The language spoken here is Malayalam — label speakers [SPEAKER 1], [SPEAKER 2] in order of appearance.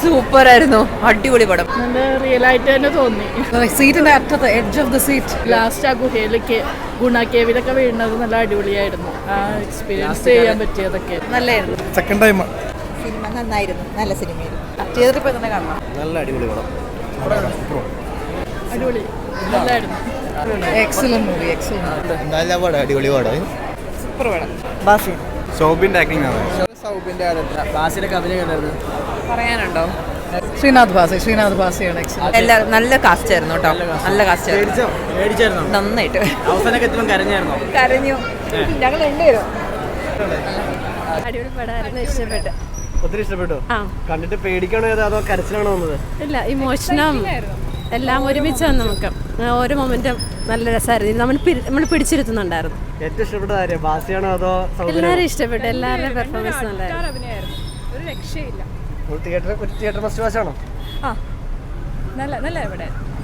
[SPEAKER 1] സൂപ്പർ ആയിരുന്നു, അടിപൊളി പടം.
[SPEAKER 2] നല്ല റിയൽ ആയിട്ട് തന്നെ തോന്നി.
[SPEAKER 1] സീറ്റിന്റെ അറ്റത്ത് edge of the seat,
[SPEAKER 2] last ആ ഗുഹയിലേക്ക് ഗുണ കേവിലൊക്കെ വീഴുന്നത് നല്ല അടിപൊളിയായിരുന്നു. ആ എക്സ്പീരിയൻസ് ചെയ്യാൻ പറ്റിയതൊക്കെ
[SPEAKER 1] നല്ലായിരുന്നു.
[SPEAKER 3] സെക്കൻഡ് ടൈം
[SPEAKER 1] സിനിമ നന്നായിരുന്നു, നല്ല സിനിമയായിരുന്നു. തിയേറ്ററിൽ പോയി തന്നെ കാണണം.
[SPEAKER 3] നല്ല അടിപൊളി പടം,
[SPEAKER 2] അടിപൊളി നല്ലായിരുന്നു.
[SPEAKER 1] Excellent movie, excellent.
[SPEAKER 3] നല്ല പടം, അടിപൊളി പടം,
[SPEAKER 1] സൂപ്പർ പടം. ബാസി
[SPEAKER 3] സൗബിന്റെ ആക്ടിംഗ് ആണ്.
[SPEAKER 4] ബാസിയുടെ അഭിനയം കണ്ടായിരുന്നു.
[SPEAKER 1] പറയാനുണ്ടോ?
[SPEAKER 2] ശ്രീനാഥ് ഭാസിയാണ് എക്സലന്റ്.
[SPEAKER 1] എല്ലാവരും നല്ല കാസ്റ്റ് ആയിരുന്നു കേട്ടോ, നല്ല കാസ്റ്റ് ആയിരുന്നു.
[SPEAKER 4] മേടിച്ചായിരുന്നോ?
[SPEAKER 1] നന്നായിട്ട്
[SPEAKER 4] അവസാനമൊക്കെ എത്തുമ്പോൾ കരഞ്ഞായിരുന്നോ?
[SPEAKER 1] കരഞ്ഞു ഞങ്ങൾ രണ്ടുപേരും.
[SPEAKER 5] അടിപൊളി പടമായിരുന്നു, ഇഷ്ടപ്പെട്ടു.
[SPEAKER 4] ഒത്തിരി ഇഷ്ടപ്പെട്ടു. കണ്ടിട്ട് പേടിക്കണോ അതോ കരച്ചിലാണോ വന്നത്?
[SPEAKER 5] ഇല്ല, ഇമോഷനും എല്ലാം ഒരുമിച്ചാണ്. നമുക്ക് ഓരോ മൊമെന്റും നല്ല രസമായിരുന്നു. നമ്മൾ പിടിച്ചിരുത്തുന്നുണ്ടായിരുന്നു.
[SPEAKER 4] ഏറ്റവും ഇഷ്ടപ്പെട്ട കാര്യം ബാസിയാണോ അതോ
[SPEAKER 5] എല്ലാവരും ഇഷ്ടപ്പെട്ടു, എല്ലാവരുടെയും പെർഫോമൻസ് നല്ലായിരുന്നു.
[SPEAKER 2] ഒരു രക്ഷയില്ല.
[SPEAKER 4] തിയേറ്റർ മസ്റ്റ് വാച്ച് ആണോ?
[SPEAKER 2] നല്ല ഇവിടെ